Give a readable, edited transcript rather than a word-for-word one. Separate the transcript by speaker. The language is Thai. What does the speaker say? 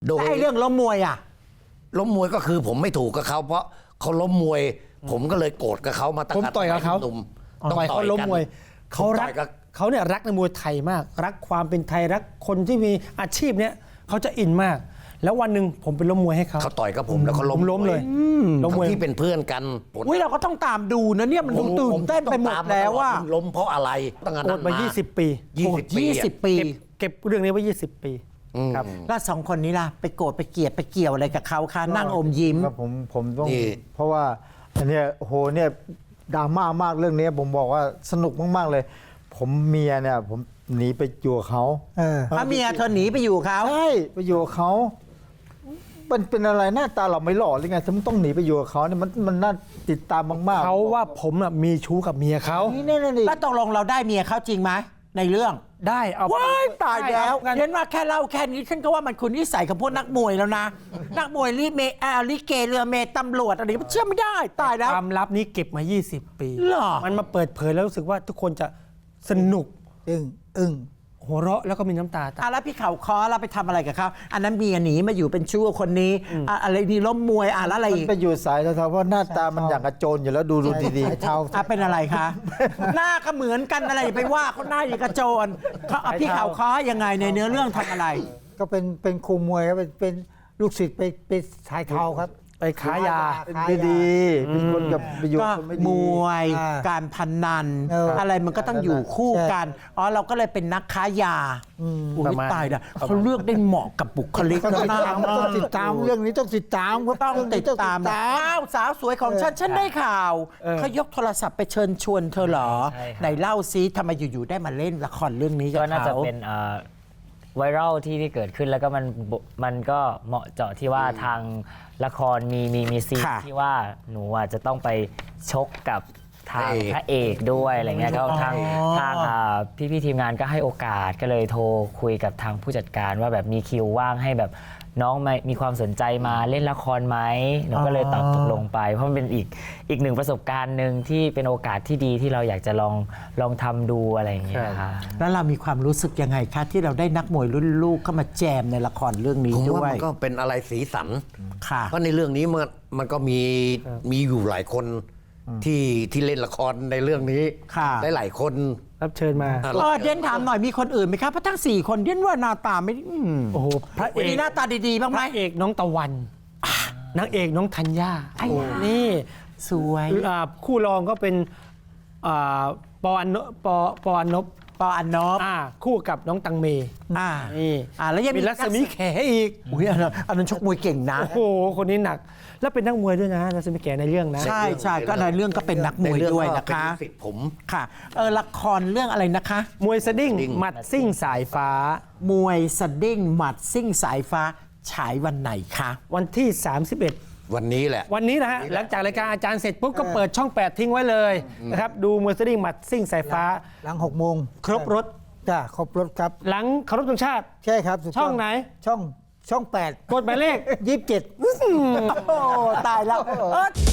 Speaker 1: โดย
Speaker 2: ไอ้เรื่องล้มมวยอ่ะ
Speaker 1: ล้มมวยก็คือผมไม่ถูกกับเขาเพราะเขาล้มมวย ผมก็เลยโกรธกับเขามาตั้ง
Speaker 3: ผมต่อยกับเขา
Speaker 1: หนุ่ม
Speaker 3: ต่อยเขาล้มมวยเขารัก
Speaker 1: ต่อยกับ
Speaker 3: เขาเนี่ยรักในมวยไทยมาก รักความเป็นไทยรักคนที่มีอาชีพเนี่ยเขาจะอินมาก แล้ววันหนึ่งผมไปล้มมวยให้เขา
Speaker 1: เขาต่อยกับผมแล้วเขาล้
Speaker 3: ผม มล้มเลยล้มมวย
Speaker 1: ที่เป็นเพื่อนกัน
Speaker 2: อุ้ยเราก็ต้องตามดูนะเนี่ยมันดูตื่นเต้นไปหมดแล้วว่า
Speaker 1: ผมล้มเพราะอะไรตั้งแต่
Speaker 3: โกร
Speaker 1: นั้
Speaker 3: ธ
Speaker 1: น
Speaker 3: มา
Speaker 1: มา
Speaker 3: 20 ปี
Speaker 1: 20 ปี
Speaker 2: 20 ปี
Speaker 3: เก็บเรื่องนี้ไว้20 ปีครับ
Speaker 2: แล้วสองคนนี้ล่ะไปโกรธไปเกลียดไปเกี่ยวอะไรกับเขาคะนั่งอมยิ้ม
Speaker 4: ครับผมต้อง
Speaker 1: นี่
Speaker 4: เพราะว่าอันเนี้ยโอ้โหเนี่ยดราม่ามากเรื่องนี้ผมบอกว่าสนุกมากๆเลย ผมเมียเนี่ยผมหนีไปอยู่กับเขา
Speaker 2: พระเมียเธอหนีไปอยู่เขา
Speaker 4: ใช่ไปอยู่กับเขามันเป็นอะไรหน้าตาเราไม่หล่อหรือไงทำไมต้องหนีไปอยู่กับเขาเนี่ยมันน่าติดตามมากๆ
Speaker 3: เขาว่าผมน่ะมีชู้กับเมียเขา
Speaker 4: นี่นี่
Speaker 2: แล้วตกลงเราได้เมียเขาจริงไหมในเรื่อง
Speaker 3: ได้เอา
Speaker 2: ว้ายตายแล้ว
Speaker 3: งั้น
Speaker 2: เห็นว่าแค่เล่าแค่นี้ฉันก็ว่ามันคุณนิสัยของพวกนักมวยแล้วนะ นักมวยลิเกเรือเมตำรวจอะไรเชื่อไม่ได้ตายแล้ว
Speaker 3: ความลับนี้เก็บมา 20 ปี
Speaker 2: เหรอ
Speaker 3: มันมาเปิดเผยแล้วรู้สึกว่าทุกคนจะสนุก
Speaker 4: อึ้ง
Speaker 3: หัวเราะแล้วก็มีน้ำตาตาม
Speaker 2: แล้วพี่เขาคอเราไปทำอะไรกับเขาอันนั้นเมียหนีมาอยู่เป็นชู้กับคนนี้อะไรนี่ล้มมวยแล้วอะไร
Speaker 4: มัน
Speaker 2: อีก
Speaker 4: ไปอยู่สายเทาๆเพราะหน้าตามันอย่างกระโจนอยู่แล้วดูดีๆ
Speaker 2: เทาเป็นอะไรคะ หน้าก็เหมือนกันอะไรอย่าไปว่าเขาหน้าอย่างกระโจนเขาพี่เขาคอยังไงในเนื้อเรื่องทำอะไร
Speaker 5: ก็เป็นครูมวยครับเป็นลูกศิษย์ไปสายเทาครับ
Speaker 3: ไปขายยา
Speaker 4: เป็นไม่ดีเป็นคนกับไปอยู่
Speaker 2: ก็
Speaker 4: คนไม่
Speaker 2: ม
Speaker 4: ดี
Speaker 2: วย
Speaker 5: อ่า
Speaker 2: การพนัน
Speaker 5: อะไร
Speaker 2: มันก็ต้องอยู่คู่กันเราก็เลยเป็นนักค้ายาอุ้
Speaker 3: ป
Speaker 2: ย
Speaker 3: ระมาณ
Speaker 2: ตายนะเขาเลือกได้เหมาะกับบุคลิกแล้วน่ารักมาก
Speaker 5: ต้องติดตามเรื่องนี้ต้องติดตามครับ
Speaker 2: ต้องติดตามนะอ้าวสาวสวยของฉันได้ข่าวเขายกโทรศัพท์ไปเชิญชวนเธอเหรอ
Speaker 6: ใช่ครับ
Speaker 2: ไหนเล่าซิทำไมอยู่ๆได้มาเล่นละครเรื่องนี้กับ
Speaker 6: ก็น่าจะ
Speaker 2: เขา
Speaker 6: เป็นไวรัลที่เกิดขึ้นแล้วก็มันก็เหมาะเจาะที่ว่าทางละครมีซีน
Speaker 2: ค่ะ
Speaker 6: ที่ว่าหนูจะต้องไปชกกับทางพระเอกด้วยอะไรเงี้ยก็ทางพี่ทีมงานก็ให้โอกาสก็เลยโทรคุยกับทางผู้จัดการว่าแบบมีคิวว่างให้แบบน้องมีความสนใจมาเล่นละครไหมหนูก็เลยตอบตกลงไปเพราะมันเป็นอีกหนึ่งประสบการณ์หนึ่งที่เป็นโอกาสที่ดีที่เราอยากจะลองทำดูอะไรอย่างเงี้ยค่ะ
Speaker 2: แล้วเรามีความรู้สึกยังไงคะที่เราได้นักมวยรุ่นลูกเข้ามาแจมในละครเรื่องนี้
Speaker 1: ผม
Speaker 2: ด้
Speaker 1: ว่า
Speaker 2: วย
Speaker 1: มันก็เป็นอะไรสีสัน
Speaker 2: ค่ะ
Speaker 1: เพราะในเรื่องนี้มันก็มีอยู่หลายคนที่เล่นละครในเรื่องนี้
Speaker 2: ค่ะ
Speaker 1: หลายๆคน
Speaker 3: รับเชิญมา
Speaker 2: เดียนถามหน่อยมีคนอื่นไหมครับเพราะทั้ง4คนเดียนว่าหน้าตาไม่
Speaker 3: โอ้โหพระเอ
Speaker 2: มี
Speaker 3: ก
Speaker 2: หน้าตาดีๆบ้าง
Speaker 3: พ
Speaker 2: ไหม
Speaker 3: ระเอกน้องตะวันนางเอกน้องธัญญานี่
Speaker 2: สวย
Speaker 3: คู่รองก็เป็นอ่าปออันนปออันนบ
Speaker 2: ปออันนบ
Speaker 3: คู่กับน้องตังเม นี่
Speaker 2: แล้วยัง
Speaker 3: มีรัศมีแขอีก
Speaker 2: อุ้ยอันนั้นชกมวยเก่งนะ
Speaker 3: โอ้โหคนนี้หนัก แล้วเป็นนักมวยด้วยนะรัศมีแขในเรื่องนะ
Speaker 2: ใช่ก็ในเรื่องก็เป็นนักมวยด้วยนะคะ
Speaker 1: เป็นลูกศิษย์ผม
Speaker 2: ค่ะละครเรื่องอะไรนะคะ
Speaker 3: มวยสดิ้ง
Speaker 1: ดิ้ง
Speaker 3: หมัดซิ่งสายฟ้า
Speaker 2: มวยสดิ้งหมัดซิ่งสายฟ้าฉายวันไหนคะ
Speaker 3: วันที่ 31
Speaker 1: วันนี้แหละ
Speaker 3: วันนี้นะฮะหลังจากรายการอาจารย์เสร็จปุ๊บก็เปิดช่อง 8 ทิ้งไว้เลยนะครับดูมวยสดิ้งหมัดซิ่งสายฟ้า
Speaker 5: หลัง6 โมง
Speaker 3: ครบรถ
Speaker 5: จ้าครบรถครับ
Speaker 3: หลังเคารพธงชาติ
Speaker 5: ใช่ครับถูกต้
Speaker 3: ช่องไหน
Speaker 5: ช่อง8
Speaker 3: กดหมายเลข
Speaker 5: 27
Speaker 2: โอ้ตายแล้ว